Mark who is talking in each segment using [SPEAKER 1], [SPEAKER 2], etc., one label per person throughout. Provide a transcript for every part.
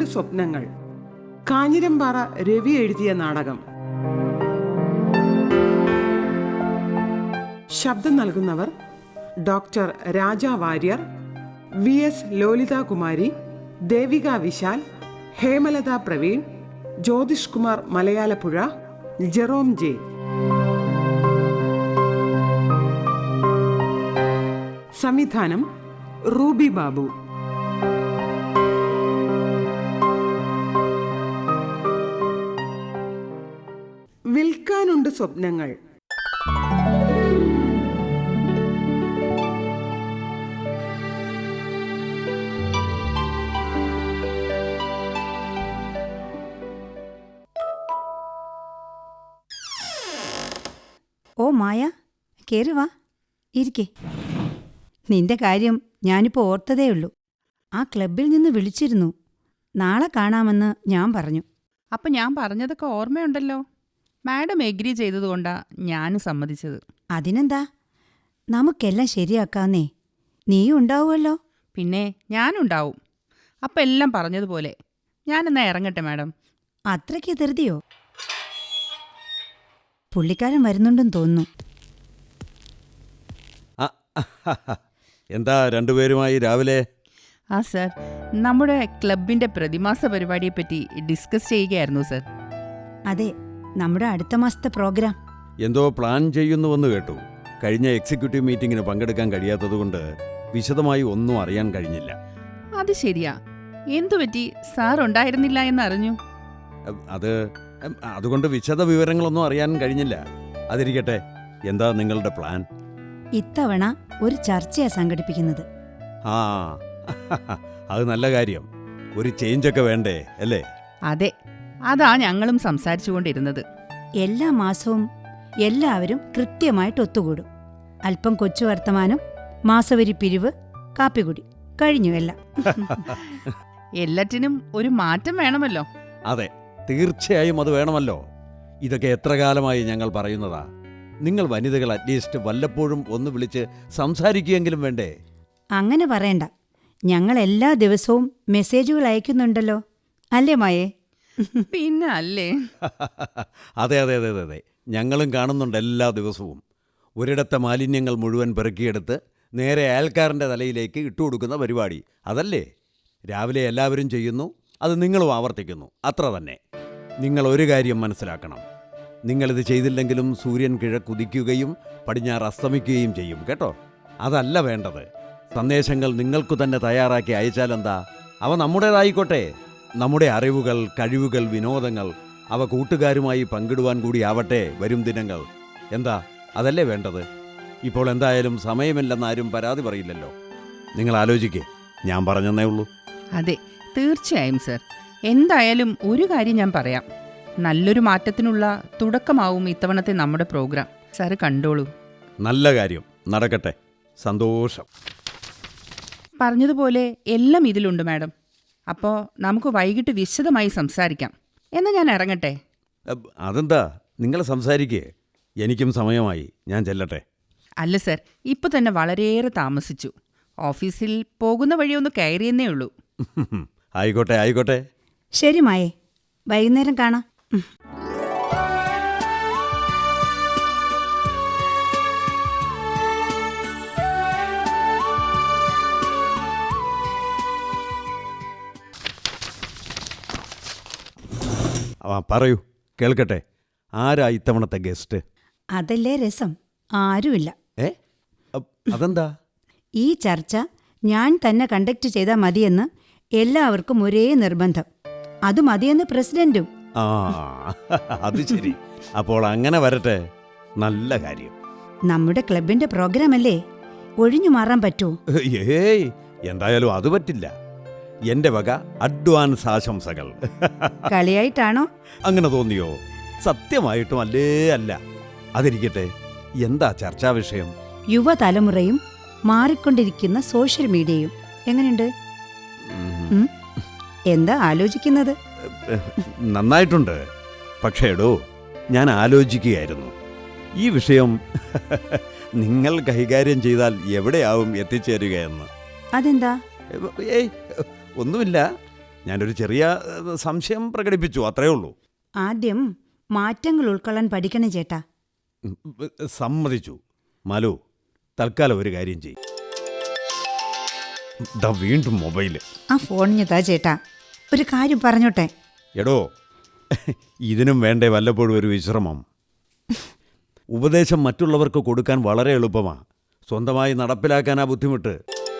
[SPEAKER 1] സ്വപ്നങ്ങൾ. കാഞ്ഞിരമ്പാറ രവി എഴുതിയ നാടകം. ശബ്ദം നൽകുന്നവർ doctor Raja Warrier, VS Lolithakumari, Devika Vishal, Hemalatha Praveen, Jyothish Kumar Malayalappuzha, Jerome J. സംവിധാനം റൂബി ബാബു. വിൽക്കാനുണ്ട് സ്വപ്നങ്ങൾ.
[SPEAKER 2] ഓ മായ, കയറി വാ, ഇരിക്കേ. നിന്റെ കാര്യം ഞാനിപ്പോൾ ഓർത്തതേയുള്ളൂ. ആ ക്ലബിൽ നിന്ന് വിളിച്ചിരുന്നു. നാളെ കാണാമെന്ന് ഞാൻ പറഞ്ഞു.
[SPEAKER 3] അപ്പം ഞാൻ പറഞ്ഞതൊക്കെ ഓർമ്മയുണ്ടല്ലോ. മാഡം എഗ്രി ചെയ്തതുകൊണ്ടാ ഞാൻ സമ്മതിച്ചത്.
[SPEAKER 2] അതിനെന്താ, നമുക്കെല്ലാം ശരിയാക്കാന്നേ. നീയും ഉണ്ടാവുമല്ലോ.
[SPEAKER 3] പിന്നെ ഞാനുണ്ടാവും. അപ്പം എല്ലാം പറഞ്ഞതുപോലെ. ഞാനെന്നാ ഇറങ്ങട്ടെ മാഡം.
[SPEAKER 2] അത്രയ്ക്ക് ധൃതിയോ? പുള്ളിക്കാരൻ വരുന്നുണ്ടെന്ന് തോന്നുന്നു.
[SPEAKER 4] എന്താ രണ്ടുപേരുമായി രാവിലെ?
[SPEAKER 3] ആ സർ, നമ്മുടെ ക്ലബിൻ്റെ പ്രതിമാസ പരിപാടിയെപ്പറ്റി ഡിസ്കസ് ചെയ്യുകയായിരുന്നു സർ.
[SPEAKER 2] അതെ, നമ്മുടെ അടുത്ത മാസത്തെ പ്രോഗ്രാം.
[SPEAKER 4] എന്തോ പ്ലാൻ ചെയ്യുന്നുവെന്ന് കേട്ടു. കഴിഞ്ഞ എക്സിക്യൂട്ടീവ് മീറ്റിങ്ങിന് പങ്കെടുക്കാൻ കഴിയാത്തതുകൊണ്ട് വിശദമായി ഒന്നും അറിയാൻ കഴിഞ്ഞില്ല.
[SPEAKER 3] അത് ശരിയാ. എന്തുപറ്റി? സാർ ഉണ്ടായിരുന്നില്ല എന്നറിഞ്ഞു.
[SPEAKER 4] അതുകൊണ്ട് വിശദ വിവരങ്ങളൊന്നും അറിയാൻ കഴിഞ്ഞില്ല. അതിരിക്കട്ടെ, എന്താ നിങ്ങളുടെ പ്ലാൻ?
[SPEAKER 2] ഇത്തവണ ഒരു ചർച്ചയാ സംഘടിപ്പിക്കുന്നത്.
[SPEAKER 4] ആ, അത് നല്ല കാര്യം. ഒരു ചേഞ്ചൊക്കെ വേണ്ടേ അല്ലേ?
[SPEAKER 3] അതെ, അതാ ഞങ്ങളും സംസാരിച്ചുകൊണ്ടിരുന്നത്.
[SPEAKER 2] എല്ലാ മാസവും എല്ലാവരും കൃത്യമായിട്ട് ഒത്തുകൂടും. അല്പം കൊച്ചു വർത്തമാനം, മാസവരി പിരിവ്, കാപ്പികുടി, കഴിഞ്ഞു എല്ലാം.
[SPEAKER 3] എല്ലാറ്റിനും ഒരു മാറ്റം വേണമല്ലോ.
[SPEAKER 4] അതെ, തീർച്ചയായും അത് വേണമല്ലോ. ഇതൊക്കെ എത്ര കാലമായി ഞങ്ങൾ പറയുന്നതാ. നിങ്ങൾ വനിതകൾ അറ്റ്ലീസ്റ്റ് വല്ലപ്പോഴും ഒന്ന് വിളിച്ച് സംസാരിക്കുകയെങ്കിലും വേണ്ടേ?
[SPEAKER 2] അങ്ങനെ പറയണ്ട. ഞങ്ങൾ എല്ലാ ദിവസവും മെസ്സേജുകൾ അയക്കുന്നുണ്ടല്ലോ, അല്ലേ മായേ?
[SPEAKER 3] പിന്നെ അല്ലേ?
[SPEAKER 4] അതെ അതെ അതെ അതെ അതെ, ഞങ്ങളും കാണുന്നുണ്ട് എല്ലാ ദിവസവും. ഒരിടത്തെ മാലിന്യങ്ങൾ മുഴുവൻ പെറുക്കിയെടുത്ത് നേരെ അയൽക്കാരൻ്റെ തലയിലേക്ക് ഇട്ടുകൊടുക്കുന്ന പരിപാടി അതല്ലേ? രാവിലെ എല്ലാവരും ചെയ്യുന്നു, അത് നിങ്ങളും ആവർത്തിക്കുന്നു, അത്ര തന്നെ. നിങ്ങൾ ഒരു കാര്യം മനസ്സിലാക്കണം. നിങ്ങളിത് ചെയ്തില്ലെങ്കിലും സൂര്യൻ കിഴക്കുദിക്കുകയും പടിഞ്ഞാറ് അസ്തമിക്കുകയും ചെയ്യും കേട്ടോ. അതല്ല വേണ്ടത്. സന്ദേശങ്ങൾ നിങ്ങൾക്കു തന്നെ തയ്യാറാക്കി അയച്ചാലെന്താ? അവ നമ്മുടേതായിക്കോട്ടെ. നമ്മുടെ അറിവുകൾ, കഴിവുകൾ, വിനോദങ്ങൾ അവ കൂട്ടുകാരുമായി പങ്കിടുവാൻ കൂടി ആവട്ടെ വരും ദിനങ്ങൾ. എന്താ, അതല്ലേ വേണ്ടത്? ഇപ്പോൾ എന്തായാലും സമയമില്ലെന്നാരും പരാതി പറയില്ലല്ലോ. നിങ്ങൾ ആലോചിക്കേ, ഞാൻ പറഞ്ഞെന്നേ ഉള്ളൂ.
[SPEAKER 3] അതെ, തീർച്ചയായും സർ. എന്തായാലും ഒരു കാര്യം ഞാൻ പറയാം. നല്ലൊരു മാറ്റത്തിനുള്ള തുടക്കമാവും ഇത്തവണത്തെ നമ്മുടെ പ്രോഗ്രാം. സാറ് കണ്ടോളൂ.
[SPEAKER 4] നല്ല കാര്യം, നടക്കട്ടെ. സന്തോഷം.
[SPEAKER 3] പറഞ്ഞതുപോലെ എല്ലാം ഇതിലുണ്ട് മാഡം. അപ്പോൾ നമുക്ക് വൈകിട്ട് വിശദമായി സംസാരിക്കാം. എന്നാൽ ഞാൻ ഇറങ്ങട്ടെ.
[SPEAKER 4] അതെന്താ, നിങ്ങൾ സംസാരിക്കേ. എനിക്കും സമയമായി, ഞാൻ ചെല്ലട്ടെ.
[SPEAKER 3] അല്ല സർ, ഇപ്പോൾ തന്നെ വളരെയേറെ താമസിച്ചു. ഓഫീസിൽ പോകുന്ന വഴിയൊന്ന് കയറിയെന്നേ ഉള്ളൂ.
[SPEAKER 4] ആയിക്കോട്ടെ ആയിക്കോട്ടെ.
[SPEAKER 2] ശരി മായേ, വൈകുന്നേരം കാണാം.
[SPEAKER 4] പറയൂ, കേൾക്കട്ടെ. ആരാ ഇത്തവണത്തെ ഗസ്റ്റ്?
[SPEAKER 2] അതല്ലേ രസം, ആരുമില്ല.
[SPEAKER 4] അതെന്താ?
[SPEAKER 2] ഈ ചർച്ച ഞാൻ തന്നെ കണ്ടക്ട് ചെയ്താൽ മതിയെന്ന് എല്ലാവർക്കും ഒരേ നിർബന്ധം. അത് മതിയെന്ന് പ്രസിഡന്റും.
[SPEAKER 4] ആ, അത് ശരി. അപ്പോൾ അങ്ങനെ വരട്ടെ. നല്ല കാര്യം.
[SPEAKER 2] നമ്മുടെ ക്ലബിന്റെ പ്രോഗ്രാം അല്ലേ, ഒഴിഞ്ഞു മാറാൻ പറ്റുമോ?
[SPEAKER 4] ഏയ്, എന്തായാലും അത് പറ്റില്ല. എന്റെ വക അഡ്വാൻസ് ആശംസകൾ.
[SPEAKER 2] കളിയായിട്ടാണോ?
[SPEAKER 4] അങ്ങനെ തോന്നിയോ? സത്യമായിട്ടും അല്ലേ അല്ല. അതിരിക്കട്ടെ, എന്താ ചർച്ചാ വിഷയം?
[SPEAKER 2] യുവതലമുറയും മാറിക്കൊണ്ടിരിക്കുന്ന സോഷ്യൽ മീഡിയയും. എങ്ങനെയുണ്ട്? എന്താ ആലോചിക്കുന്നത്?
[SPEAKER 4] നന്നായിട്ടുണ്ട്. പക്ഷേ എടോ, ഞാൻ ആലോചിക്കുകയായിരുന്നു, ഈ വിഷയം നിങ്ങൾ കൈകാര്യം ചെയ്താൽ എവിടെയാവും എത്തിച്ചേരുകയെന്ന്.
[SPEAKER 2] അതെന്താ?
[SPEAKER 4] ഏയ്, ഒന്നുമില്ല. ഞാനൊരു ചെറിയ സംശയം പ്രകടിപ്പിച്ചു, അത്രയേ ഉള്ളൂ.
[SPEAKER 2] ആദ്യം മാറ്റങ്ങൾ ഉൾക്കൊള്ളാൻ പഠിക്കണം ചേട്ടാ.
[SPEAKER 4] ഉം, സമ്മതിച്ചു. മാലു, തൽക്കാലം ഒരു കാര്യം ചെയ്യും. വീണ്ടും മൊബൈല്.
[SPEAKER 2] ആ ഫോണിഞ്ഞതാ ചേട്ടാ, ഒരു കാര്യം പറഞ്ഞോട്ടെ.
[SPEAKER 4] എടോ, ഇതിനും വേണ്ടേ വല്ലപ്പോഴും ഒരു വിശ്രമം? ഉപദേശം മറ്റുള്ളവർക്ക് കൊടുക്കാൻ വളരെ എളുപ്പമാണ്, സ്വന്തമായി നടപ്പിലാക്കാനാ ബുദ്ധിമുട്ട്.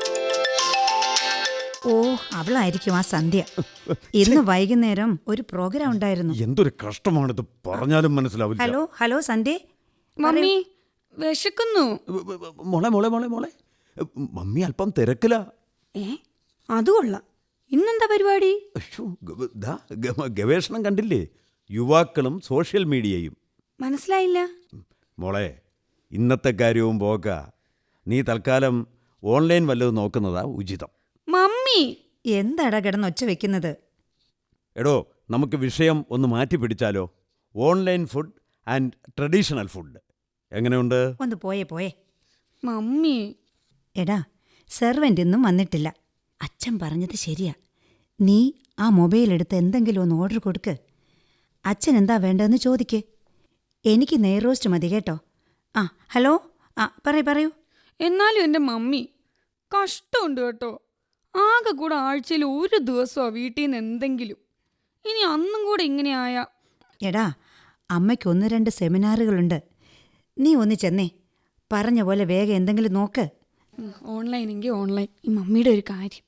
[SPEAKER 2] ഓ, അവളായിരിക്കും ആ സന്ധ്യ. ഇന്ന് വൈകുന്നേരം ഒരു പ്രോഗ്രാം ഉണ്ടായിരുന്നു.
[SPEAKER 4] എന്തൊരു കഷ്ടമാണിത്, പറഞ്ഞാലും മനസ്സിലാവില്ല.
[SPEAKER 2] ഹലോ ഹലോ സന്ധ്യ.
[SPEAKER 5] മമ്മി വിശക്കുന്നു.
[SPEAKER 4] മോളെ മോളെ മോളെ മോളെ മമ്മി അല്പം തിരക്കിലാ.
[SPEAKER 5] അത് കൊള്ളാം. ഇന്നെന്താ പരിപാടി?
[SPEAKER 4] അയ്യോ, ഗവേഷണം കണ്ടില്ലേ? യുവാക്കളും സോഷ്യൽ മീഡിയയും.
[SPEAKER 5] മനസ്സിലായില്ല.
[SPEAKER 4] മോളെ, ഇന്നത്തെ കാര്യവും പോക്ക. നീ തൽക്കാലം ഓൺലൈൻ വല്ലതും നോക്കുന്നതാ ഉചിതം.
[SPEAKER 5] മമ്മി
[SPEAKER 2] എന്താടാ കിടന്ന് ഒച്ച വെക്കുന്നത്?
[SPEAKER 4] എടോ, നമുക്ക് വിഷയം ഒന്ന് മാറ്റി പിടിച്ചാലോ? Online food and traditional food എങ്ങനെയുണ്ട്?
[SPEAKER 2] ഒന്ന് പോയേ പോയേ.
[SPEAKER 5] മമ്മി
[SPEAKER 2] എടാ, സെർവൻ്റ് ഇന്നും വന്നിട്ടില്ല. അച്ഛൻ പറഞ്ഞത് ശരിയാ. നീ ആ മൊബൈൽ എടുത്ത് എന്തെങ്കിലും ഒന്ന് ഓർഡർ കൊടുക്ക്. അച്ഛൻ എന്താ വേണ്ടതെന്ന് ചോദിക്ക്. എനിക്ക് നെയ് റോസ്റ്റ് മതി കേട്ടോ. ആ ഹലോ, ആ പറയൂ.
[SPEAKER 5] എന്നാലും എൻ്റെ മമ്മി കഷ്ടമുണ്ട് കേട്ടോ. ആകെ കൂടെ ആഴ്ചയിൽ ഒരു ദിവസമാണ് വീട്ടിൽ നിന്ന് എന്തെങ്കിലും. ഇനി അന്നും കൂടെ ഇങ്ങനെയായ.
[SPEAKER 2] എടാ, അമ്മയ്ക്ക് 1-2 സെമിനാറുകളുണ്ട്. നീ ഒന്ന് ചെന്നേ. പറഞ്ഞ പോലെ വേഗം എന്തെങ്കിലും നോക്ക്.
[SPEAKER 5] ഓൺലൈൻ എങ്കിൽ ഓൺലൈൻ. ഈ മമ്മിയുടെ ഒരു കാര്യം.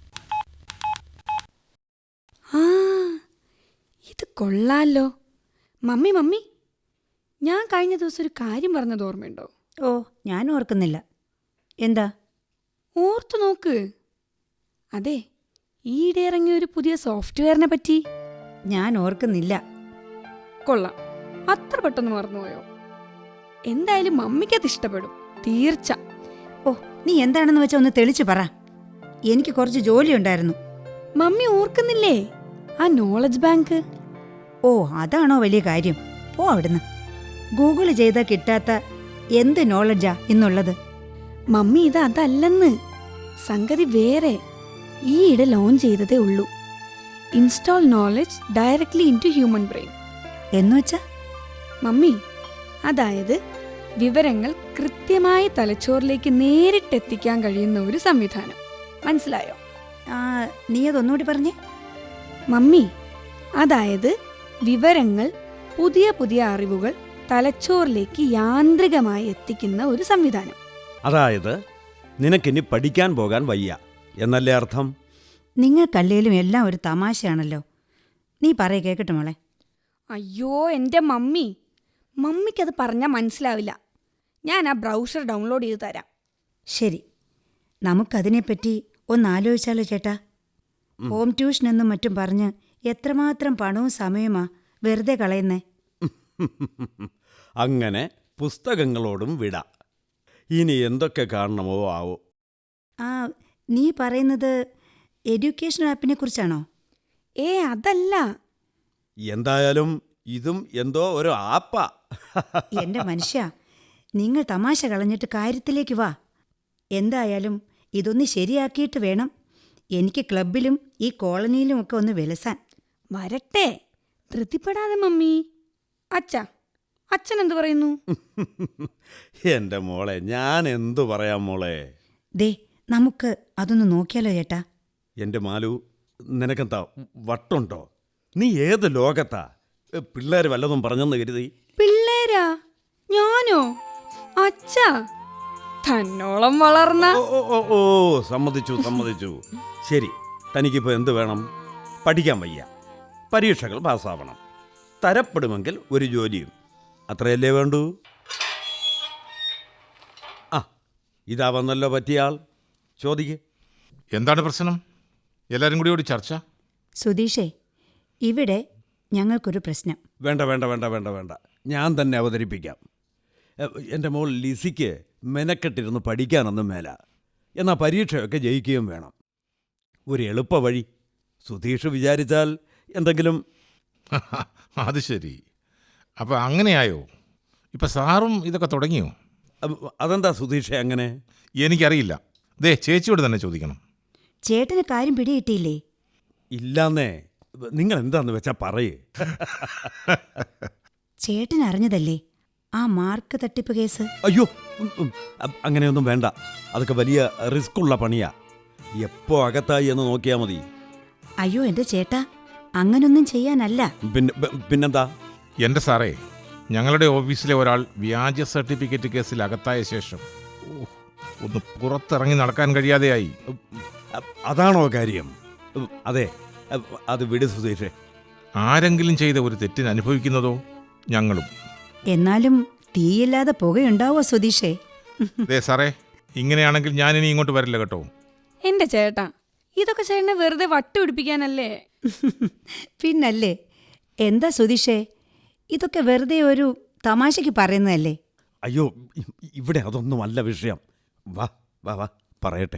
[SPEAKER 5] ആ, ഇത് കൊള്ളാലോ. മമ്മി ഞാൻ കഴിഞ്ഞ ദിവസം ഒരു കാര്യം പറഞ്ഞത് ഓർമ്മയുണ്ടോ?
[SPEAKER 2] ഓ, ഞാൻ ഓർക്കുന്നില്ല. എന്താ?
[SPEAKER 5] ഓർത്തു നോക്ക്. അതെ, ഈയിടെ ഇറങ്ങിയ ഒരു പുതിയ സോഫ്റ്റ്വെയറിനെ പറ്റി.
[SPEAKER 2] ഞാൻ ഓർക്കുന്നില്ല.
[SPEAKER 5] കൊള്ളാം, അത്ര പെട്ടെന്ന് മറന്നുപോയോ? എന്തായാലും മമ്മിക്കത് ഇഷ്ടപ്പെടും, തീർച്ച.
[SPEAKER 2] ഓ, നീ എന്താണെന്ന് വെച്ചാൽ ഒന്ന് തെളിച്ചു പറ. എനിക്ക് കുറച്ച് ജോലിയുണ്ടായിരുന്നു.
[SPEAKER 5] മമ്മി ഓർക്കുന്നില്ലേ ആ നോളജ് ബാങ്ക്?
[SPEAKER 2] ഓ, അതാണോ വലിയ കാര്യം? പോ അവിടുന്ന്. ഗൂഗിൾ ചെയ്താൽ കിട്ടാത്ത എന്ത് നോളജാ ഇന്നുള്ളത്?
[SPEAKER 5] മമ്മി ഇത് അതല്ലെന്ന്. സംഗതി വേറെ. ഈയിടെ ലോഞ്ച് ചെയ്തതേ ഉള്ളൂ. Install knowledge directly into human brain.
[SPEAKER 2] എന്നുവെച്ചാ?
[SPEAKER 5] മമ്മി, അതായത് വിവരങ്ങൾ കൃത്യമായി തലച്ചോറിലേക്ക് നേരിട്ടെത്തിക്കാൻ കഴിയുന്ന ഒരു സംവിധാനം. മനസ്സിലായോ?
[SPEAKER 2] നീ അതൊന്നുകൂടി പറഞ്ഞേ.
[SPEAKER 5] മമ്മി, അതായത് വിവരങ്ങൾ, പുതിയ അറിവുകൾ തലച്ചോറിലേക്ക് യാന്ത്രികമായി എത്തിക്കുന്ന ഒരു സംവിധാനം.
[SPEAKER 4] അതായത് നിനക്കിനി പഠിക്കാൻ പോകാൻ വയ്യ എന്നല്ലേ അർത്ഥം?
[SPEAKER 2] നിങ്ങൾക്കല്ലേലും എല്ലാം ഒരു തമാശയാണല്ലോ. നീ പറയ കേൾക്കട്ടെ മോളെ.
[SPEAKER 5] അയ്യോ എൻ്റെ മമ്മിക്കത് പറഞ്ഞാൽ മനസ്സിലാവില്ല. ഞാൻ ആ ബ്രൗസർ ഡൗൺലോഡ് ചെയ്ത് തരാം.
[SPEAKER 2] ശരി, നമുക്കതിനെപ്പറ്റി ഒന്നാലോചിച്ചാലോ ചേട്ടാ? ഹോം ട്യൂഷൻ എന്നും മറ്റും പറഞ്ഞ് എത്രമാത്രം പണവും സമയമാ വെറുതെ കളയുന്നേ.
[SPEAKER 4] അങ്ങനെ പുസ്തകങ്ങളോടും വിട. ഇനി എന്തൊക്കെ കാണണമോ ആവോ.
[SPEAKER 2] നീ പറയുന്നത് എഡ്യൂക്കേഷൻ ആപ്പിനെ കുറിച്ചാണോ?
[SPEAKER 5] അതല്ല.
[SPEAKER 4] എന്തായാലും ഇതും എന്തോ ഒരു ആപ്പാ.
[SPEAKER 2] എൻ്റെ മനുഷ്യ, നിങ്ങൾ തമാശ കളഞ്ഞിട്ട് കാര്യത്തിലേക്ക് വാ. എന്തായാലും ഇതൊന്ന് ശരിയാക്കിയിട്ട് വേണം എനിക്ക് ക്ലബിലും ഈ കോളനിയിലുമൊക്കെ ഒന്ന് വിലസാൻ.
[SPEAKER 5] വരട്ടെ, ധൃതിപ്പെടാതെ മമ്മി. അച്ഛൻ എന്തു പറയുന്നു?
[SPEAKER 4] എൻ്റെ മോളെ, ഞാൻ എന്തു പറയാം മോളെ.
[SPEAKER 2] ദേ, നമുക്ക് അതൊന്ന് നോക്കിയാലോ ചേട്ടാ?
[SPEAKER 4] എൻ്റെ മാലു, നിനക്കെന്താ വട്ടുണ്ടോ? നീ ഏത് ലോകത്താ? പിള്ളേർ വല്ലതും പറഞ്ഞെന്ന് കരുതി?
[SPEAKER 5] പിള്ളേരാ? ഞാനോ? അച്ഛാ, തന്നോളം വളർന്ന.
[SPEAKER 4] ഓ, സമ്മതിച്ചു. ശരി, തനിക്കിപ്പോൾ എന്ത് വേണം? പഠിക്കാൻ വയ്യ, പരീക്ഷകൾ പാസ്സാവണം, തരപ്പെടുമെങ്കിൽ ഒരു ജോലിയും. അത്രയല്ലേ വേണ്ടൂ? ഇതാ വന്നല്ലോ പറ്റിയ ആൾ. ചോദിക്ക്.
[SPEAKER 6] എന്താണ് പ്രശ്നം? എല്ലാവരും കൂടി ചർച്ച.
[SPEAKER 2] സുധീഷേ, ഇവിടെ ഞങ്ങൾക്കൊരു പ്രശ്നം.
[SPEAKER 4] വേണ്ട, ഞാൻ തന്നെ അവതരിപ്പിക്കാം. എൻ്റെ മോൾ ലിസിക്ക് മെനക്കെട്ടിരുന്ന് പഠിക്കാനൊന്നും മേല. എന്നാൽ പരീക്ഷയൊക്കെ ജയിക്കുകയും വേണം. ഒരു എളുപ്പ വഴി സുധീഷ് വിചാരിച്ചാൽ എന്തെങ്കിലും.
[SPEAKER 6] അത് ശരി. അപ്പം അങ്ങനെയായോ? ഇപ്പം സാറും ഇതൊക്കെ തുടങ്ങിയോ?
[SPEAKER 4] അതെന്താ സുധീഷേ അങ്ങനെ?
[SPEAKER 6] എനിക്കറിയില്ല. ചേച്ചിയോട് തന്നെ ചോദിക്കണം.
[SPEAKER 2] ചേട്ടന് കാര്യം പിടികിട്ടിയില്ലേ?
[SPEAKER 4] ഇല്ലാന്നേ. നിങ്ങൾ എന്താന്ന് വെച്ചാ പറയേ.
[SPEAKER 2] ചേട്ടൻ അറിഞ്ഞതല്ലേ ആ മാർക്ക് തട്ടിപ്പ് കേസ്?
[SPEAKER 4] അയ്യോ, അങ്ങനെയൊന്നും വേണ്ട. അതൊക്കെ വലിയ റിസ്ക് ഉള്ള പണിയാ. എപ്പോ അകത്തായി എന്ന് നോക്കിയാൽ മതി.
[SPEAKER 2] അയ്യോ എൻ്റെ ചേട്ടാ, അങ്ങനൊന്നും ചെയ്യാനല്ല.
[SPEAKER 4] പിന്നെന്താ?
[SPEAKER 6] എൻ്റെ സാറേ, ഞങ്ങളുടെ ഓഫീസിലെ ഒരാൾ വ്യാജ സർട്ടിഫിക്കറ്റ് കേസിൽ അകത്തായ ശേഷം ഒന്ന് പുറത്തിറങ്ങി നടക്കാൻ കഴിയാതെയായി.
[SPEAKER 4] അതാണോ കാര്യം? അതെ, അത് വിട് സുധീഷേ.
[SPEAKER 6] ആരെങ്കിലും ചെയ്ത ഒരു തെറ്റിന് അനുഭവിക്കുന്നതോ ഞങ്ങളും.
[SPEAKER 2] എന്നാലും തീയില്ലാതെ പുകയുണ്ടാവോ സുധീഷേ?
[SPEAKER 6] അതെ സാറേ, ഇങ്ങനെയാണെങ്കിൽ ഞാനിനി ഇങ്ങോട്ട് വരില്ല കേട്ടോ.
[SPEAKER 5] എന്റെ ചേട്ടാ, ഇതൊക്കെ ചേട്ടനെ വെറുതെ വട്ടുപിടിപ്പിക്കാനല്ലേ?
[SPEAKER 2] പിന്നല്ലേ. എന്താ സുധീഷേ, ഇതൊക്കെ വെറുതെ ഒരു തമാശയ്ക്ക് പറയുന്നതല്ലേ?
[SPEAKER 4] അയ്യോ, ഇവിടെ അതൊന്നും അല്ല വിഷയം. വാ വാ വാ പറയട്ടെ.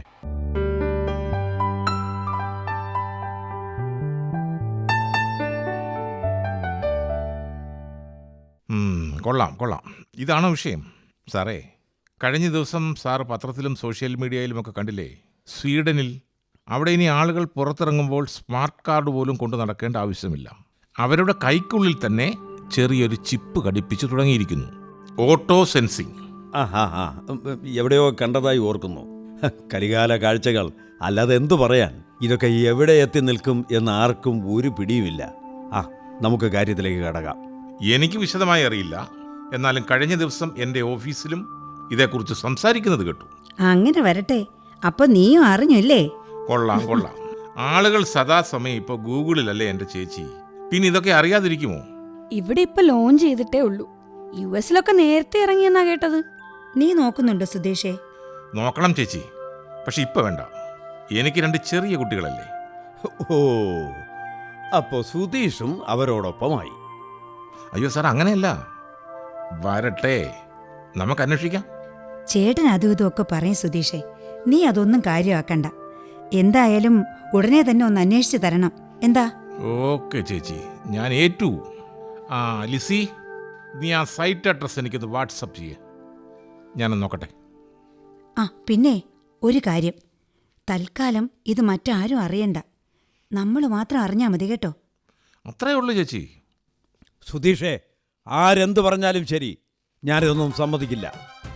[SPEAKER 6] കൊള്ളാം കൊള്ളാം. ഇതാണോ വിഷയം? സാറേ, കഴിഞ്ഞ ദിവസം സാർ പത്രത്തിലും സോഷ്യൽ മീഡിയയിലുമൊക്കെ കണ്ടില്ലേ, സ്വീഡനിൽ അവിടെ ഇനി ആളുകൾ പുറത്തിറങ്ങുമ്പോൾ സ്മാർട്ട് കാർഡ് പോലും കൊണ്ടു നടക്കേണ്ട ആവശ്യമില്ല. അവരുടെ കൈക്കുള്ളിൽ തന്നെ ചെറിയൊരു ചിപ്പ് ഘടിപ്പിച്ചു തുടങ്ങിയിരിക്കുന്നു. Auto sensing.
[SPEAKER 4] എവിടെയോ കണ്ടതായി ഓർക്കുന്നു. കലികാല കാഴ്ചകൾ, അല്ലാതെ എന്തു പറയാൻ. ഇതൊക്കെ എവിടെ എത്തി നിൽക്കും എന്ന് ആർക്കും ഒരു പിടിയുമില്ല. നമുക്ക് കാര്യത്തിലേക്ക് കടക്കാം.
[SPEAKER 6] എനിക്ക് വിശദമായി അറിയില്ല, എന്നാലും കഴിഞ്ഞ ദിവസം എൻ്റെ ഓഫീസിലും ഇതേക്കുറിച്ച് സംസാരിക്കുന്നത് കേട്ടു.
[SPEAKER 2] അങ്ങനെ വരട്ടെ. അപ്പൊ നീയും അറിഞ്ഞല്ലേ?
[SPEAKER 6] കൊള്ളാം കൊള്ളാം. ആളുകൾ സദാസമയം ഇപ്പോൾ ഗൂഗിളിലല്ലേ എൻ്റെ ചേച്ചി. പിന്നെ ഇതൊക്കെ അറിയാതിരിക്കുമോ?
[SPEAKER 5] ഇവിടെ ഇപ്പൊ ലോഞ്ച് ചെയ്തിട്ടേ ഉള്ളൂ. US-ലൊക്കെ നേരത്തെ ഇറങ്ങിയെന്നാ കേട്ടത്.
[SPEAKER 2] നീ നോക്കുന്നുണ്ടോ സുധീഷേ?
[SPEAKER 6] നോക്കണം ചേച്ചി, പക്ഷെ ഇപ്പം വേണ്ട. എനിക്ക് 2 ചെറിയ കുട്ടികളല്ലേ.
[SPEAKER 4] ഓ, അപ്പോ സുധീഷും അവരോടൊപ്പമായി.
[SPEAKER 6] അയ്യോ സാർ, അങ്ങനെയല്ല. വരട്ടെ, നമുക്ക് അന്വേഷിക്കാം.
[SPEAKER 2] ചേട്ടൻ അതും ഇതുമൊക്കെ പറയും സുധീഷേ. നീ അതൊന്നും കാര്യമാക്കണ്ട. എന്തായാലും ഉടനെ തന്നെ ഒന്ന് അന്വേഷിച്ച് തരണം. എന്താ?
[SPEAKER 6] ഓക്കെ ചേച്ചി, ഞാൻ ഏറ്റു. ലിസി, നീ ആ സൈറ്റ് അഡ്രസ് എനിക്കൊന്ന് വാട്സപ്പ് ചെയ്യേ, ഞാനൊന്ന് നോക്കട്ടെ.
[SPEAKER 2] പിന്നെ ഒരു കാര്യം, തൽക്കാലം ഇത് മറ്റാരും അറിയണ്ട. നമ്മൾ മാത്രം അറിഞ്ഞാൽ മതി കേട്ടോ.
[SPEAKER 6] അത്രയേ ഉള്ളൂ ചേച്ചി.
[SPEAKER 4] സുധീഷേ, ആരെന്ത് പറഞ്ഞാലും ശരി, ഞാനിതൊന്നും സമ്മതിക്കില്ല.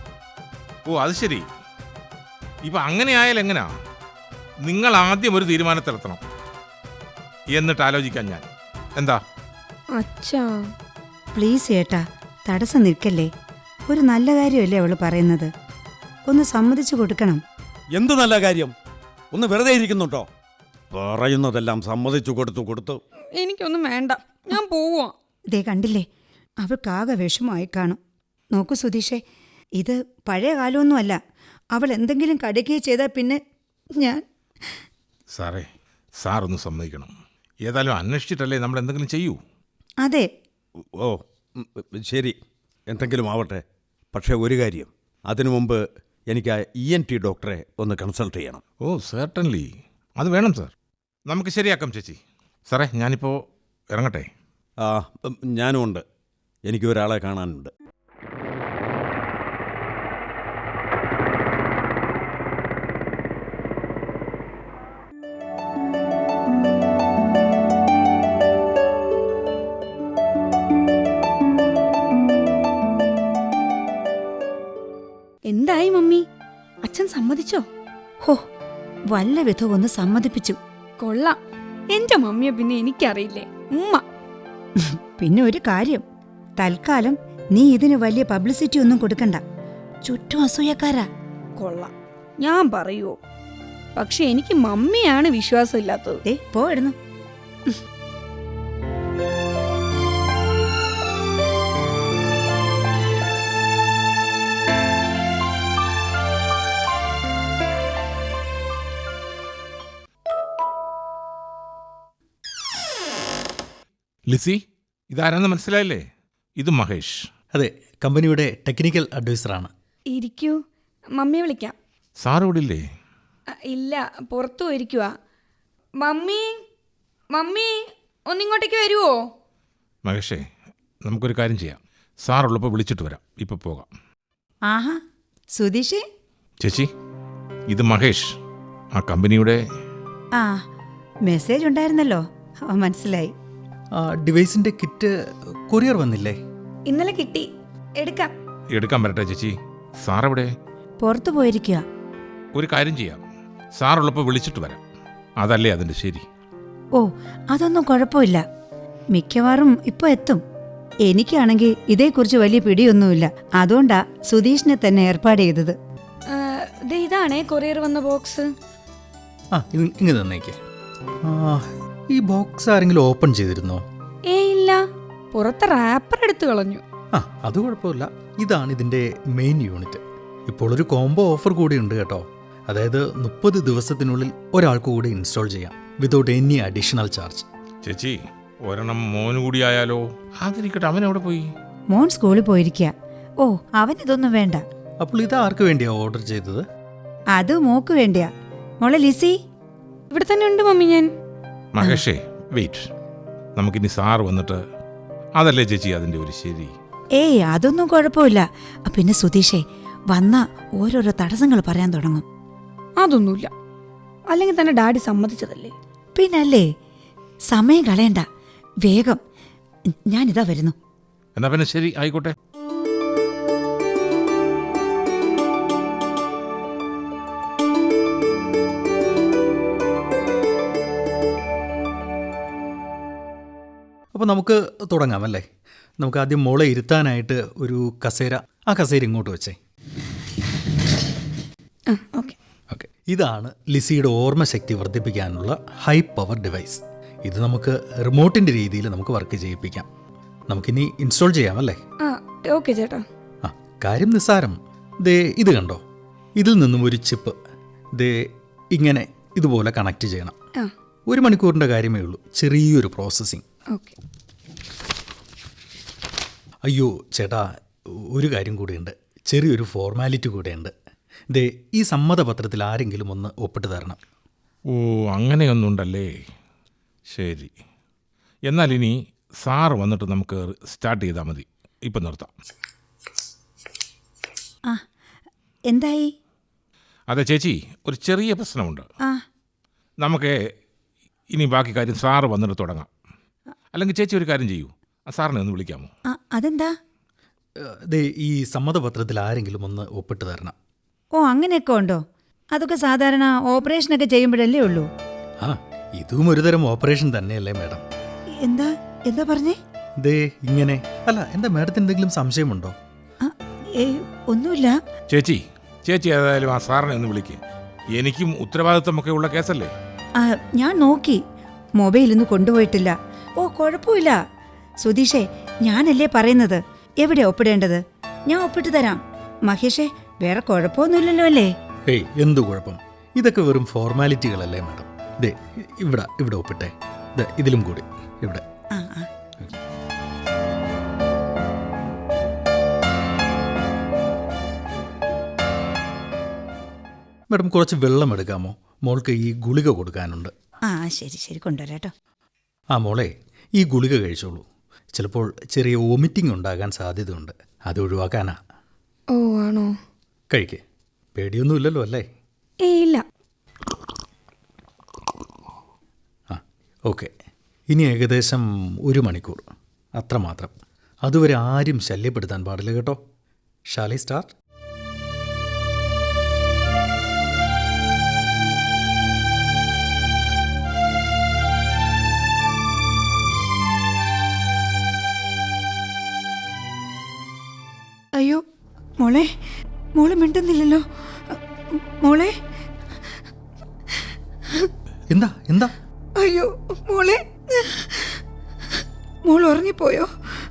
[SPEAKER 6] ഓ, അത് ശരി. ഇപ്പം അങ്ങനെ ആയാൽ എങ്ങനെയാ? നിങ്ങൾ ആദ്യം ഒരു തീരുമാനത്തിലെത്തണം, എന്നിട്ട് ആലോചിക്കാൻ ഞാൻ. എന്താ?
[SPEAKER 5] അച്ഛാ
[SPEAKER 2] പ്ലീസ് ചേട്ടാ, തടസ്സം നിൽക്കല്ലേ. ഒരു നല്ല കാര്യമല്ലേ അവൾ പറയുന്നത്. ഒന്ന് സമ്മതിച്ചു കൊടുക്കണം.
[SPEAKER 4] എന്ത് നല്ല കാര്യം? ഒന്ന് വെറുതെ ഇരിക്കുന്നുണ്ടോ? പറയുന്നതെല്ലാം സമ്മതിച്ചു കൊടുത്തു.
[SPEAKER 5] എനിക്കൊന്നും വേണ്ട, ഞാൻ പോവാ.
[SPEAKER 2] ഇതേ കണ്ടില്ലേ, അവൾക്കാകെ വിഷമമായി കാണും. നോക്കൂ സുധീഷേ, ഇത് പഴയ കാലമൊന്നുമല്ല. അവൾ എന്തെങ്കിലും കടുക്കുകയോ ചെയ്താൽ പിന്നെ ഞാൻ...
[SPEAKER 6] സാറേ, സാറൊന്ന് സമ്മതിക്കണം. ഏതായാലും അന്വേഷിച്ചിട്ടല്ലേ നമ്മൾ എന്തെങ്കിലും ചെയ്യൂ.
[SPEAKER 2] അതെ.
[SPEAKER 4] ഓ, ശരി, എന്തെങ്കിലും ആവട്ടെ. പക്ഷേ ഒരു കാര്യം, അതിനു മുമ്പ് എനിക്ക് ആ ENT ഡോക്ടറെ ഒന്ന് കൺസൾട്ട് ചെയ്യണം.
[SPEAKER 6] ഓ സെർട്ടൻലി, അത് വേണം സാർ. നമുക്ക് ശരിയാക്കാം ചേച്ചി. സാറേ, ഞാനിപ്പോൾ ഇറങ്ങട്ടെ.
[SPEAKER 4] ഞാനും ഉണ്ട്. എനിക്ക് ഒരാളെ കാണാനുണ്ട്.
[SPEAKER 5] എന്തായി മമ്മി? അച്ഛൻ സമ്മതിച്ചോ?
[SPEAKER 2] ഹോ, വല്ല വിധം ഒന്ന് സമ്മതിപ്പിച്ചു.
[SPEAKER 5] കൊള്ളാം. എന്റെ മമ്മിയെ പിന്നെ എനിക്കറിയില്ലേ, ഉമ്മ.
[SPEAKER 2] പിന്നെ ഒരു കാര്യം, തൽക്കാലം നീ ഇതിന് വലിയ പബ്ലിസിറ്റി ഒന്നും കൊടുക്കണ്ട. ചുറ്റും അസൂയക്കാരാ.
[SPEAKER 5] കൊള്ളാം, ഞാൻ പറയുവോ? പക്ഷെ എനിക്ക് മമ്മിയാണ് വിശ്വാസമില്ലാത്തത്.
[SPEAKER 2] പോയിടുന്നു.
[SPEAKER 6] ലിസി, ഇതാരാന്ന് മനസ്സിലായില്ലേ? ഇത് മഹേഷ്.
[SPEAKER 7] അതെ, കമ്പനിയുടെ ടെക്നിക്കൽ അഡ്വൈസറാണ്.
[SPEAKER 5] ഇരിക്കൂ, മമ്മിയെ വിളിക്കാം.
[SPEAKER 6] സാർ ഇവിടെ ഇല്ലേ?
[SPEAKER 5] ഇല്ല, പുറത്തു പോയിരിക്കുക. മമ്മി, മമ്മി ഒന്നിങ്ങോട്ടേക്ക് വരുവോ?
[SPEAKER 6] മഹേഷേ, നമുക്കൊരു കാര്യം ചെയ്യാം. സാറുള്ളപ്പോൾ വിളിച്ചിട്ട് വരാം. ഇപ്പോൾ പോകാം.
[SPEAKER 2] ആഹാ, സുധീഷേ.
[SPEAKER 6] ചേച്ചി, ഇത് മഹേഷ്, ആ കമ്പനിയുടെ...
[SPEAKER 2] ആ, മെസ്സേജ് ഉണ്ടായിരുന്നല്ലോ, മനസ്സിലായി.
[SPEAKER 7] ഡിവൈസിൻ്റെ കിറ്റ് കൊറിയർ വന്നില്ലേ?
[SPEAKER 5] ഇന്നലെ കിട്ടി, എടുക്കാം.
[SPEAKER 6] എടുക്കാൻ വരട്ടെ ചേച്ചി. സാർ എവിടെ?
[SPEAKER 2] പുറത്തു പോയിരിക്കുക.
[SPEAKER 6] ഒരു കാര്യം ചെയ്യാം, സാറുള്ളപ്പോൾ വിളിച്ചിട്ട് വരാം. അതല്ലേ അതിൻ്റെ ശരി.
[SPEAKER 2] ഓ, അതൊന്നും കുഴപ്പമില്ല. മിക്കവാറും ഇപ്പൊ എത്തും. എനിക്കാണെങ്കിൽ ഇതേക്കുറിച്ച് വലിയ പിടിയൊന്നുമില്ല. അതുകൊണ്ടാ സുധീഷിനെ തന്നെ ഏർപ്പാട് ചെയ്തത്.
[SPEAKER 5] ഇതാണേ കൊറിയർ വന്ന ബോക്സ്.
[SPEAKER 7] ഇങ്ങ് തന്നേക്ക്. ഈ ബോക്സ് ആരെങ്കിലും ഓപ്പൺ ചെയ്തിരുന്നോ?
[SPEAKER 5] ഇല്ല, പുറത്തെ റാപ്പർ എടുത്തു കളഞ്ഞു.
[SPEAKER 7] അത് കുഴപ്പമില്ല. ഇതാണ് ഇതിൻ്റെ മെയിൻ യൂണിറ്റ്. ഇപ്പോൾ ഒരു കോംബോ ഓഫർ കൂടി ഉണ്ട് കേട്ടോ. അതായത് 30 ദിവസത്തിനുള്ളിൽ ഒരാൾക്ക് കൂടി ഇൻസ്റ്റാൾ ചെയ്യാം വിതൗട്ട് എനി അഡീഷണൽ ചാർജ്.
[SPEAKER 6] ചേച്ചി, ഒരെണ്ണം മോന് കൂടി ആയാലോ? അതിരിക്കട്ടെ, അവൻ എവിടെ പോയി?
[SPEAKER 2] മോൻ സ്കൂളിൽ പോയിരിക്കുക. ഓ, അവനിതൊന്നും വേണ്ട.
[SPEAKER 7] അപ്പോൾ ഇത് ആർക്ക് വേണ്ടിയാ ഓർഡർ ചെയ്തത്?
[SPEAKER 2] അത് മോക്ക് വേണ്ടിയാ. മോളെ ലിസി,
[SPEAKER 5] ഇവിടെ തന്നെ ഉണ്ട് മമ്മി. ഞാൻ
[SPEAKER 6] മഹേഷേ, വെയിറ്റ്. നമുക്കിനി സാറ് വന്നിട്ട് അതല്ലേ ചേച്ചി അതിൻ്റെ ഒരു ശരി.
[SPEAKER 2] ഏയ് അതൊന്നും കുഴപ്പമില്ല. പിന്നെ സുധീഷേ, വന്ന ഓരോരോ തടസ്സങ്ങൾ പറയാൻ തുടങ്ങും.
[SPEAKER 5] അതൊന്നുമില്ല, അല്ലെങ്കിൽ തന്നെ ഡാഡി സമ്മതിച്ചതല്ലേ.
[SPEAKER 2] പിന്നല്ലേ, സമയം കളയണ്ട, വേഗം. ഞാനിതാ വരുന്നു.
[SPEAKER 6] എന്നാ പിന്നെ ശരി, ആയിക്കോട്ടെ.
[SPEAKER 7] അപ്പോൾ നമുക്ക് തുടങ്ങാമല്ലേ? നമുക്ക് ആദ്യം മോളെ ഇരുത്താനായിട്ട് ഒരു കസേര, ആ കസേര ഇങ്ങോട്ട് വെച്ചേ.
[SPEAKER 5] ഓക്കെ.
[SPEAKER 7] ഇതാണ് ലിസിയുടെ ഓർമ്മശക്തി വർദ്ധിപ്പിക്കാനുള്ള ഹൈ പവർ ഡിവൈസ്. ഇത് നമുക്ക് റിമോട്ടിൻ്റെ രീതിയിൽ നമുക്ക് വർക്ക് ചെയ്യിപ്പിക്കാം. നമുക്കിനി ഇൻസ്റ്റാൾ ചെയ്യാമല്ലേ?
[SPEAKER 5] ഓക്കെ ചേട്ടാ.
[SPEAKER 7] കാര്യം നിസ്സാരം. ദേ ഇത് കണ്ടോ, ഇതിൽ നിന്നും ഒരു ചിപ്പ് ദേ ഇങ്ങനെ ഇതുപോലെ കണക്ട് ചെയ്യണം. 1 മണിക്കൂറിൻ്റെ കാര്യമേ ഉള്ളൂ, ചെറിയൊരു പ്രോസസ്സിങ്.
[SPEAKER 5] ഓക്കെ.
[SPEAKER 7] അയ്യോ ചേട്ടാ, ഒരു കാര്യം കൂടിയുണ്ട്, ചെറിയൊരു ഫോർമാലിറ്റി കൂടെയുണ്ട്. ദേ ഈ സമ്മതപത്രത്തിൽ ആരെങ്കിലും ഒന്ന് ഒപ്പിട്ട് തരണം.
[SPEAKER 6] ഓ, അങ്ങനെയൊന്നുണ്ടല്ലേ. ശരി, എന്നാൽ ഇനി സാറ് വന്നിട്ട് നമുക്ക് സ്റ്റാർട്ട് ചെയ്താൽ മതി. ഇപ്പം നിർത്താം.
[SPEAKER 2] എന്തായി?
[SPEAKER 6] അതെ ചേച്ചി, ഒരു ചെറിയ പ്രശ്നമുണ്ട്.
[SPEAKER 2] ആ,
[SPEAKER 6] നമുക്ക് ഇനി ബാക്കി കാര്യം സാറ് വന്നിട്ട് തുടങ്ങാം. അല്ലെങ്കിൽ ചേച്ചി ഒരു കാര്യം ചെയ്യൂ, സാറിനെ ഒന്ന് വിളിക്കാമോ?
[SPEAKER 2] അതെന്താ?
[SPEAKER 7] ദേ ഈ സമ്മതപത്രത്തിൽ ആരെങ്കിലും ഒന്ന് ഒപ്പിട്ട് തരണം.
[SPEAKER 2] ഓ, അങ്ങനെയൊക്കെ ഉണ്ടോ? അതൊക്കെ സാധാരണ ഓപ്പറേഷനൊക്കെ ചെയ്യുമ്പോഴല്ലേ ഉള്ളൂ.
[SPEAKER 7] ഇതും ഒരുതരം ഓപ്പറേഷൻ തന്നെയല്ലേ മാഡം?
[SPEAKER 2] എന്താ എന്താ പറഞ്ഞേ?
[SPEAKER 7] ദേ ഇങ്ങനെ. അല്ല, എന്താ മാഡത്തിന് എന്തെങ്കിലും സംശയമുണ്ടോ?
[SPEAKER 2] ഒന്നുമില്ല.
[SPEAKER 6] ചേച്ചി ഏതായാലും ആ സാറിനെ ഒന്ന് വിളിക്കുക. എനിക്കും ഉത്തരവാദിത്വമൊക്കെ ഉള്ള കേസല്ലേ.
[SPEAKER 2] ഞാൻ നോക്കി, മൊബൈലൊന്നും കൊണ്ടുപോയിട്ടില്ല. ഓ, കുഴപ്പമില്ല സുധീഷേ, ഞാനല്ലേ പറയുന്നത്. എവിടെ ഒപ്പിടേണ്ടത്? ഞാൻ ഒപ്പിട്ട് തരാം. മഹേഷേ, വേറെ കുഴപ്പമൊന്നുമില്ലല്ലോ അല്ലേ?
[SPEAKER 7] ഹേയ്, എന്തു കുഴപ്പം? ഇതൊക്കെ വെറും ഫോർമാലിറ്റികളല്ലേ മാഡം. ദേ ഇവിടെ ഒപ്പിട്ടെ. ഇതിലും കൂടി ഇവിടെ. മാഡം, കുറച്ച് വെള്ളം എടുക്കാമോ? മോൾക്ക് ഈ ഗുളിക കൊടുക്കാനുണ്ട്.
[SPEAKER 2] ശരി കൊണ്ടുവരാട്ടോ.
[SPEAKER 7] മോളെ, ഈ ഗുളിക കഴിച്ചോളൂ. ചിലപ്പോൾ ചെറിയ വോമിറ്റിംഗ് ഉണ്ടാകാൻ സാധ്യതയുണ്ട്, അത് ഒഴിവാക്കാനാ.
[SPEAKER 5] ഓ, ആണോ?
[SPEAKER 7] കഴിക്കേ, പേടിയൊന്നുമില്ലല്ലോ അല്ലേ?
[SPEAKER 5] ഇല്ല.
[SPEAKER 7] ഓക്കെ. ഇനി ഏകദേശം 1 മണിക്കൂർ, അത്രമാത്രം. അതുവരെ ആരും ശല്യപ്പെടുത്താൻ പാടില്ല കേട്ടോ. Shall I start?
[SPEAKER 2] അയ്യോ, മോളെ മിണ്ടുന്നില്ലല്ലോ. മോളെ,
[SPEAKER 7] എന്താ?
[SPEAKER 2] അയ്യോ, മോൾ ഉറങ്ങിപ്പോയോ?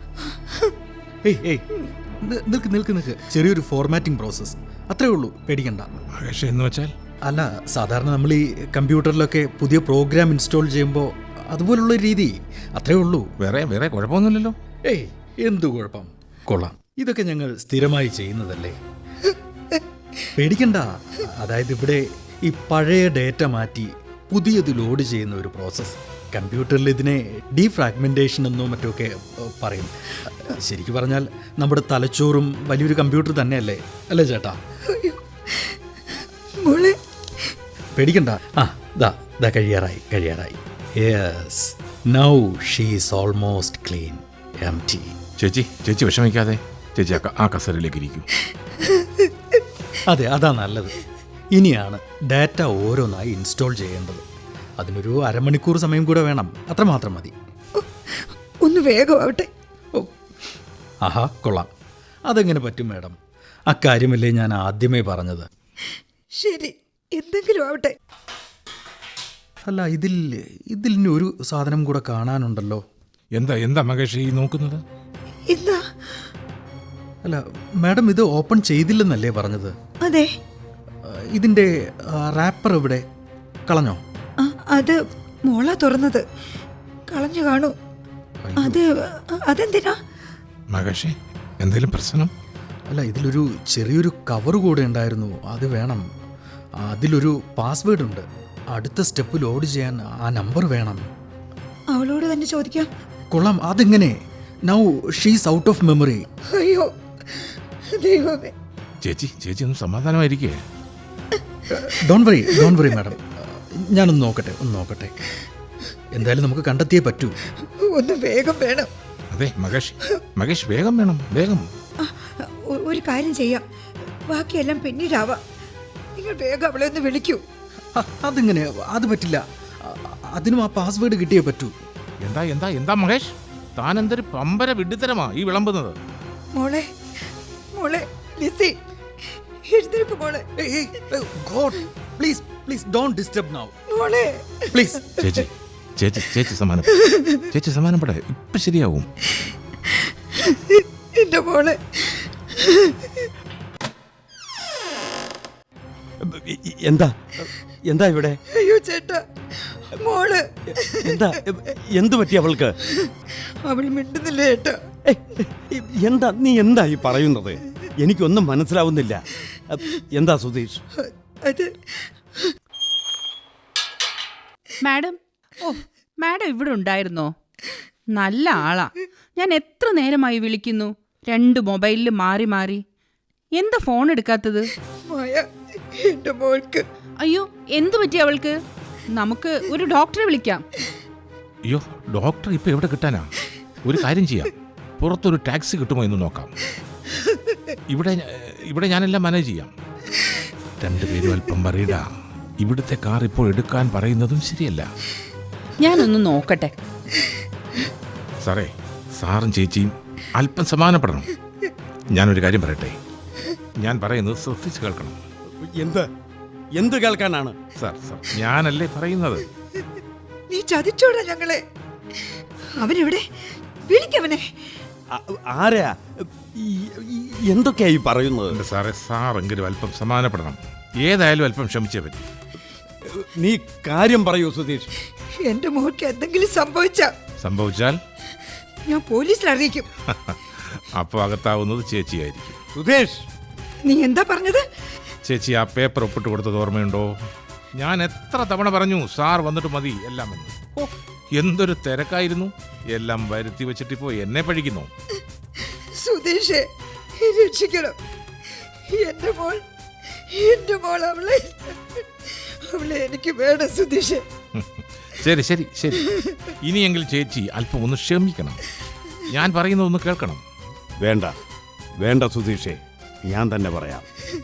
[SPEAKER 7] ഏയ് നിൽക്ക്. ചെറിയൊരു ഫോർമാറ്റിംഗ് പ്രോസസ്സ്, അത്രേ ഉള്ളൂ, പേടിക്കണ്ട.
[SPEAKER 6] എന്ന് വെച്ചാൽ?
[SPEAKER 7] അല്ല, സാധാരണ നമ്മൾ ഈ കമ്പ്യൂട്ടറിലൊക്കെ പുതിയ പ്രോഗ്രാം ഇൻസ്റ്റാൾ ചെയ്യുമ്പോൾ അതുപോലുള്ള രീതി, അത്രേ ഉള്ളൂ.
[SPEAKER 6] വേറെ കുഴപ്പമൊന്നുമില്ലല്ലോ.
[SPEAKER 7] ഏയ്, എന്തു കുഴപ്പം? കൊള്ളാം, ഇതൊക്കെ ഞങ്ങൾ സ്ഥിരമായി ചെയ്യുന്നതല്ലേ, പേടിക്കണ്ട. അതായത് ഇവിടെ ഈ പഴയ ഡേറ്റ മാറ്റി പുതിയത് ലോഡ് ചെയ്യുന്ന ഒരു പ്രോസസ്സ്. കമ്പ്യൂട്ടറിൽ ഇതിനെ ഡീഫ്രാഗ്മെൻറ്റേഷൻ എന്നോ മറ്റൊക്കെ പറയും. ശരിക്കും പറഞ്ഞാൽ നമ്മുടെ തലച്ചോറും വലിയൊരു കമ്പ്യൂട്ടർ തന്നെയല്ലേ, അല്ലേ ചേട്ടാ? പേടിക്കണ്ട. ദാ കഴിയാറായി. Yes, now she is almost clean, empty.
[SPEAKER 6] ചേച്ചി വിഷമിക്കാതെ. ചേച്ചി ആ കസേരയിലേക്ക് ഇരിക്കൂ.
[SPEAKER 7] അതെ, അതാ നല്ലത്. ഇനിയാണ് ഡാറ്റ ഓരോന്നായി ഇൻസ്റ്റാൾ ചെയ്യേണ്ടത്. അതിനൊരു അരമണിക്കൂർ സമയം കൂടെ വേണം, അത്രമാത്രം മതി.
[SPEAKER 5] ഒന്ന് വേഗമാവട്ടെ.
[SPEAKER 7] ഓ, ആഹാ, കൊള്ളാം. അതെങ്ങനെ പറ്റും മാഡം? അക്കാര്യമല്ലേ ഞാൻ ആദ്യമേ പറഞ്ഞത്.
[SPEAKER 5] ശരി, എന്തെങ്കിലും ആവട്ടെ.
[SPEAKER 7] അല്ല, ഇതിൽ ഇനി ഒരു സാധനം കൂടെ കാണാനുണ്ടല്ലോ.
[SPEAKER 6] എന്താ മകേഷ് ഈ നോക്കുന്നത്?
[SPEAKER 5] എന്താ?
[SPEAKER 7] അല്ല മാഡം, ഇത് ഓപ്പൺ ചെയ്തില്ലെന്നല്ലേ പറഞ്ഞത്?
[SPEAKER 5] അതെ.
[SPEAKER 7] ഇതിൻ്റെ റാപ്പർ എവിടെ? കളഞ്ഞോ?
[SPEAKER 5] അത് മോളാ തുറന്നത്. കളഞ്ഞു കാണൂ. അതെന്തിനാ?
[SPEAKER 6] മകേഷേ, എന്തെങ്കിലും പ്രശ്നം?
[SPEAKER 7] അല്ല, ഇതിലൊരു ചെറിയൊരു കവർ കൂടെ ഉണ്ടായിരുന്നു, അത് വേണം. അതിലൊരു പാസ്വേഡ് ഉണ്ട്. അടുത്ത സ്റ്റെപ്പ് ലോഡ് ചെയ്യാൻ ആ നമ്പർ വേണം.
[SPEAKER 5] അവളോട് തന്നെ ചോദിക്കാം.
[SPEAKER 7] കൊള്ളാം. അതെങ്ങനെ? Now she's out of memory.
[SPEAKER 5] അയ്യോ ദൈവമേ.
[SPEAKER 6] ചേച്ചി ഒന്ന് സമാധാനമായിരിക്കേ.
[SPEAKER 7] Don't worry madam. ഞാനൊന്ന് നോക്കട്ടെ. എന്തായാലും നമുക്ക് കണ്ടെത്തിയേ പറ്റൂ.
[SPEAKER 5] ഒന്ന് വേഗം വേണം.
[SPEAKER 6] അതെ മകേഷ് വേഗം വേണം, വേഗം.
[SPEAKER 5] ഒരു കാര്യം ചെയ്യാം, ബാക്കിയെല്ലാം പിന്നീടാവാം. നിങ്ങൾ വേഗം അവളെ ഒന്ന് വിളിക്കൂ.
[SPEAKER 7] അതെങ്ങനെ? അത് പറ്റില്ല. അതിനും ആ പാസ്വേഡ് കിട്ടിയേ പറ്റൂ.
[SPEAKER 6] എന്താ മകേഷ്, താൻ എന്തൊരു പമ്പര വിഡ്ഢിത്തരമാ ഈ വിളമ്പുന്നത്?
[SPEAKER 5] മോളെ ലിസി, എഴുന്നേൽക്ക് മോളെ.
[SPEAKER 7] God, please don't disturb now.
[SPEAKER 5] മോളെ
[SPEAKER 7] പ്ലീസ്.
[SPEAKER 6] ചേച്ചി സമാനപ്പെടെ ഇപ്പൊ ശരിയാവും.
[SPEAKER 5] എന്റെ മോളെ.
[SPEAKER 4] എന്താ ഇവിടെ?
[SPEAKER 5] അയ്യോ ചേട്ടാ, മോള്.
[SPEAKER 4] എന്തു പറ്റി അവൾക്ക്?
[SPEAKER 5] അവൾ മിണ്ടുന്നില്ല ചേട്ടാ.
[SPEAKER 4] നീ എന്താ ഈ പറയുന്നത്? എനിക്കൊന്നും മനസ്സിലാവുന്നില്ല. എന്താ സുധീഷ്?
[SPEAKER 5] അത്
[SPEAKER 3] മാഡം, മാഡം ഇവിടെ ഉണ്ടായിരുന്നോ? നല്ല ആളാ. ഞാൻ എത്ര നേരമായി വിളിക്കുന്നു, 2 മൊബൈലിൽ മാറി. എന്താ ഫോൺ എടുക്കാത്തത്?
[SPEAKER 5] മായ, എന്റെ മോൾക്ക്.
[SPEAKER 3] അയ്യോ, എന്തു പറ്റി അവൾക്ക്? നമുക്ക് ഒരു ഡോക്ടറെ വിളിക്കാം.
[SPEAKER 6] അയ്യോ, ഡോക്ടർ ഇപ്പൊ എവിടെ കിട്ടാനാ? ഒരു കാര്യം ചെയ്യാം, പുറത്തൊരു ടാക്സി കിട്ടുമോ എന്ന് നോക്കാം. ഇവിടെ ഞാനെല്ലാം മാനേജ് ചെയ്യാം. 2 പേരും അല്പം പറയടാ. ഇവിടുത്തെ കാർ ഇപ്പോൾ എടുക്കാൻ പറയുന്നതും ശരിയല്ല.
[SPEAKER 3] ഞാനൊന്ന് നോക്കട്ടെ.
[SPEAKER 6] സാറും ചേച്ചിയും അല്പം സമാനപ്പെടണം. ഞാനൊരു കാര്യം പറയട്ടെ, ഞാൻ പറയുന്നത് ശ്രദ്ധിച്ച് കേൾക്കണം.
[SPEAKER 4] എന്ത് കേൾക്കാനാണ്?
[SPEAKER 6] സാർ ഞാനല്ലേ പറയുന്നത്.
[SPEAKER 5] നീ ചതിച്ചോടാ ഞങ്ങളെ. അവനെവിടെ? വിളിക്കവനെ.
[SPEAKER 4] ആരാ? എന്തൊക്കെയായി പറയുന്നത്?
[SPEAKER 6] സാറെങ്കിലും അല്പം സമാനപ്പെടണം. ഏതായാലും അല്പം ക്ഷമിച്ചേ പറ്റി.
[SPEAKER 4] നീ കാര്യം പറയൂ സുധീഷ്.
[SPEAKER 5] എന്റെ മോൾക്ക് എന്തെങ്കിലും
[SPEAKER 6] സംഭവിച്ചാൽ
[SPEAKER 5] ഞാൻ പോലീസിൽ അറിയിക്കും.
[SPEAKER 6] അപ്പോൾ അകത്താവുന്നത് ചേച്ചിയായിരിക്കും.
[SPEAKER 4] സുധീഷ്,
[SPEAKER 5] നീ എന്താ പറഞ്ഞത്?
[SPEAKER 6] ചേച്ചി ആ പേപ്പർ ഒപ്പിട്ട് കൊടുത്തത് ഓർമ്മയുണ്ടോ? ഞാൻ എത്ര തവണ പറഞ്ഞു സാർ വന്നിട്ട് മതി എല്ലാം എന്ന്. എന്തൊരു തിരക്കായിരുന്നു. എല്ലാം വരുത്തി വെച്ചിട്ടിപ്പോ എന്നെ പഴിക്കുന്നു.
[SPEAKER 5] സുധീഷേ, രക്ഷിക്കണം. എന്റെ മോൾ അവളെ എനിക്ക് വേണം സുധീഷേ.
[SPEAKER 6] ശരി ഇനിയെങ്കിൽ ചേച്ചി അല്പം ഒന്ന് ക്ഷമിക്കണം. ഞാൻ പറയുന്നതൊന്ന് കേൾക്കണം.
[SPEAKER 4] വേണ്ട സുധീഷേ, ഞാൻ തന്നെ പറയാം.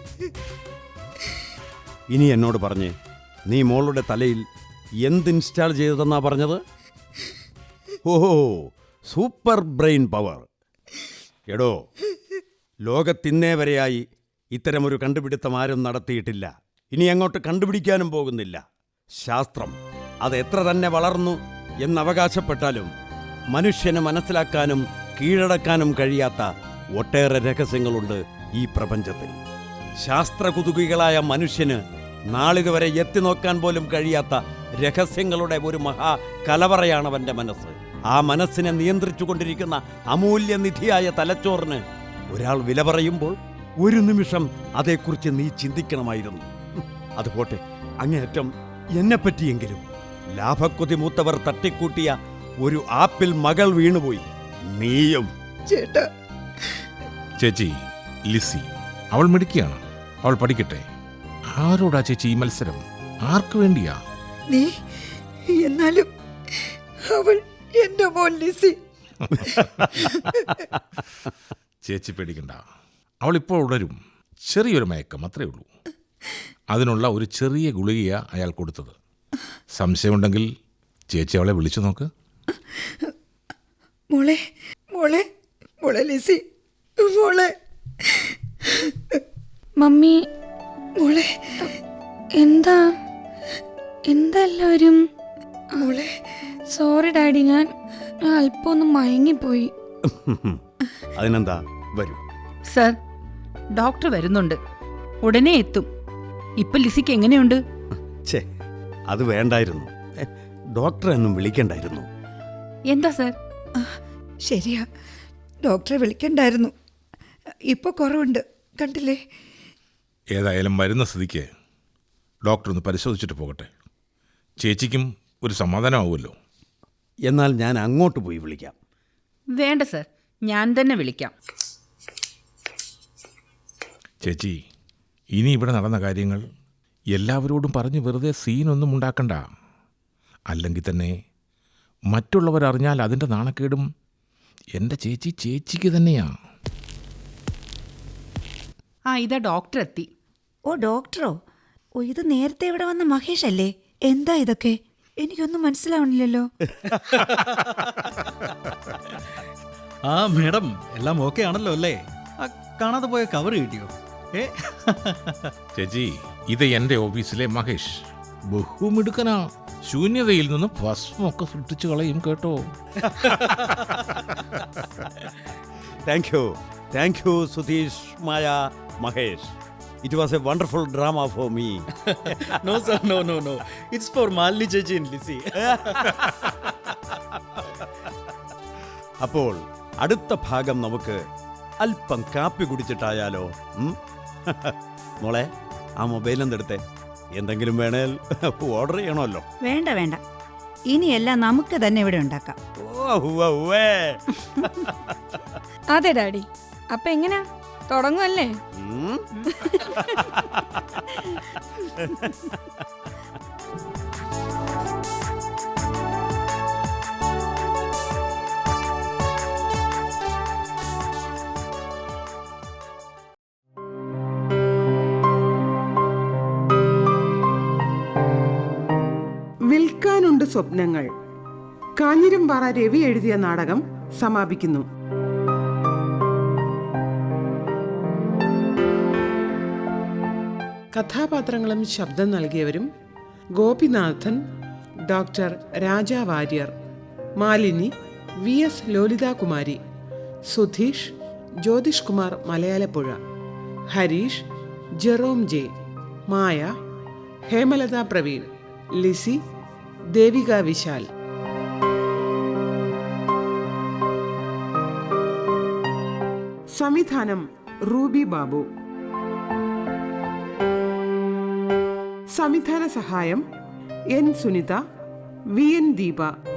[SPEAKER 4] ഇനി എന്നോട് പറഞ്ഞേ, നീ മോളുടെ തലയിൽ എന്ത് ഇൻസ്റ്റാൾ ചെയ്തതെന്നാ പറഞ്ഞത്? ഓഹോ, സൂപ്പർ ബ്രെയിൻ പവർ. എടോ, ലോകത്തിന്നേ വരെയായി ഇത്തരമൊരു കണ്ടുപിടുത്തം ആരും നടത്തിയിട്ടില്ല. ഇനി അങ്ങോട്ട് കണ്ടുപിടിക്കാനും പോകുന്നില്ല. ശാസ്ത്രം അത് എത്ര തന്നെ വളർന്നു എന്നവകാശപ്പെട്ടാലും മനുഷ്യന് മനസ്സിലാക്കാനും കീഴടക്കാനും കഴിയാത്ത ഒട്ടേറെ രഹസ്യങ്ങളുണ്ട് ഈ പ്രപഞ്ചത്തിൽ. ശാസ്ത്രകുതുകികളായ മനുഷ്യന് നാളിതുവരെ എത്തിനോക്കാൻ പോലും കഴിയാത്ത രഹസ്യങ്ങളുടെ ഒരു മഹാ കലവറയാണവൻ്റെ മനസ്സ്. ആ മനസ്സിനെ നിയന്ത്രിച്ചുകൊണ്ടിരിക്കുന്ന അമൂല്യനിധിയായ തലച്ചോറിന് ഒരാൾ വില പറയുമ്പോൾ ഒരു നിമിഷം അതേക്കുറിച്ച് നീ ചിന്തിക്കണമായിരുന്നു. അതുപോട്ടെ, അങ്ങേയറ്റം എന്നെപ്പറ്റിയെങ്കിലും. ലാഭക്കൊതി മൂത്തവർ തട്ടിക്കൂട്ടിയ ഒരു ആപ്പിൽ മകൾ വീണുപോയി. നീയും.
[SPEAKER 5] ചേട്ടാ,
[SPEAKER 6] ചേച്ചി ലിസി അവൾ മിടുക്കിയാണ്. അവൾ പഠിക്കട്ടെ. ആരോടാ ചേച്ചി ഈ മത്സരം? ആർക്കു വേണ്ടിയാ?
[SPEAKER 2] നീ എന്നാലും അവൾ എന്റെ മോൻ ലിസി.
[SPEAKER 6] ചേച്ചി പേടിക്കണ്ട, അവളിപ്പോൾ ഉണരും. ചെറിയൊരു മയക്കം അത്രേ ഉള്ളൂ. അതിനുള്ള ഒരു ചെറിയ ഗുളികയാ അയാൾ കൊടുത്തത്. സംശയമുണ്ടെങ്കിൽ ചേച്ചി അവളെ വിളിച്ചു നോക്ക്.
[SPEAKER 2] മോളെ മോളെ മോളെ ലിസി, മോളെ
[SPEAKER 5] മമ്മി,
[SPEAKER 2] മോളെ
[SPEAKER 5] എന്താ എല്ലാവരും?
[SPEAKER 2] മോളെ.
[SPEAKER 5] സോറി ഡാഡി, ഞാൻ അല്പം ഒന്ന് മയങ്ങിപ്പോയി.
[SPEAKER 4] അതിനെന്താ, വരൂ.
[SPEAKER 3] സർ, ഡോക്ടർ വരുന്നുണ്ട്, ഉടനെ എത്തും. ഇപ്പൊ ലിസിക്ക് എങ്ങനെയുണ്ട്?
[SPEAKER 4] ഛേ, അത് വേണ്ടായിരുന്നു. ഡോക്ടറെ ഒന്നും വിളിക്കണ്ടായിരുന്നു.
[SPEAKER 3] എന്താ സർ?
[SPEAKER 2] ശരിയാ, ഡോക്ടറെ വിളിക്കണ്ടായിരുന്നു. ഇപ്പൊ കുറവുണ്ട്, കണ്ടില്ലേ?
[SPEAKER 6] ഏതായാലും വരുന്ന സ്ഥിതിക്ക് ഡോക്ടർ ഒന്ന് പരിശോധിച്ചിട്ട് പോകട്ടെ. ചേച്ചിക്കും ഒരു സമാധാനമാവുമല്ലോ.
[SPEAKER 4] എന്നാൽ ഞാൻ അങ്ങോട്ട് പോയി വിളിക്കാം.
[SPEAKER 3] വേണ്ട സർ, ഞാൻ തന്നെ വിളിക്കാം.
[SPEAKER 6] ചേച്ചി, ഇനി ഇവിടെ നടന്ന കാര്യങ്ങൾ എല്ലാവരോടും പറഞ്ഞ് വെറുതെ സീനൊന്നും ഉണ്ടാക്കണ്ട. അല്ലെങ്കിൽ തന്നെ മറ്റുള്ളവരറിഞ്ഞാൽ അതിൻ്റെ നാണക്കേടും എൻ്റെ ചേച്ചിക്ക് തന്നെയാ.
[SPEAKER 3] ഇതാ ഡോക്ടർ എത്തി.
[SPEAKER 2] ഓ, ഡോക്ടറോ? ഓ, ഇത് നേരത്തെ ഇവിടെ വന്ന മഹേഷ് അല്ലേ? എന്താ ഇതൊക്കെ? എനിക്കൊന്നും മനസ്സിലാവണില്ലല്ലോ.
[SPEAKER 7] ആ മേഡം, എല്ലാം ഓക്കെ ആണല്ലോ അല്ലേ? ആ കാണാതെ പോയ കവർ കിട്ടിയോ?
[SPEAKER 6] ചേച്ചി, ഇത് എൻ്റെ ഓഫീസിലെ മഹേഷ്. ബഹുമിടുക്കനാ. ശൂന്യതയിൽ നിന്ന് ഭസ്മൊക്കെ സൃഷ്ടിച്ചു കളയും കേട്ടോ.
[SPEAKER 4] Thank you Sudheesh, Maya, Mahesh. It was a wonderful drama for me.
[SPEAKER 7] No sir, no. It's for Malini ചേച്ചി and Lizzy.
[SPEAKER 4] അപ്പോൾ അടുത്ത ഭാഗം നമുക്ക് അല്പം കാപ്പി കുടിച്ചിട്ടായാലോ? മോളെ, ആ മൊബൈൽ എന്തെടുത്തേ. എന്തെങ്കിലും വേണേൽ ഓർഡർ ചെയ്യണമല്ലോ.
[SPEAKER 2] വേണ്ട വേണ്ട, ഇനിയെല്ലാം നമുക്ക് തന്നെ ഇവിടെ ഉണ്ടാക്കാം.
[SPEAKER 5] അതെ ഡാഡി. അപ്പൊ എങ്ങനാ, തുടങ്ങുമല്ലേ?
[SPEAKER 1] വിൽക്കാനുണ്ട് സ്വപ്നങ്ങൾ. കാഞ്ഞിരംപാറ രവി എഴുതിയ നാടകം സമാപിക്കുന്നു. കഥാപാത്രങ്ങളും ശബ്ദം നൽകിയവരും: Gopinathan, doctor Raja Warrier; Malini, VS Lolithakumari; Sudheesh, Jyothish Kumar Malayalappuzha; Harish, Jerome J; Maya, Hemalatha Praveen; Lissy, Devika Vishal. സംവിധാനം റൂബി ബാബു. സംവിധാന സഹായം N സുനിത, VN ദീപ.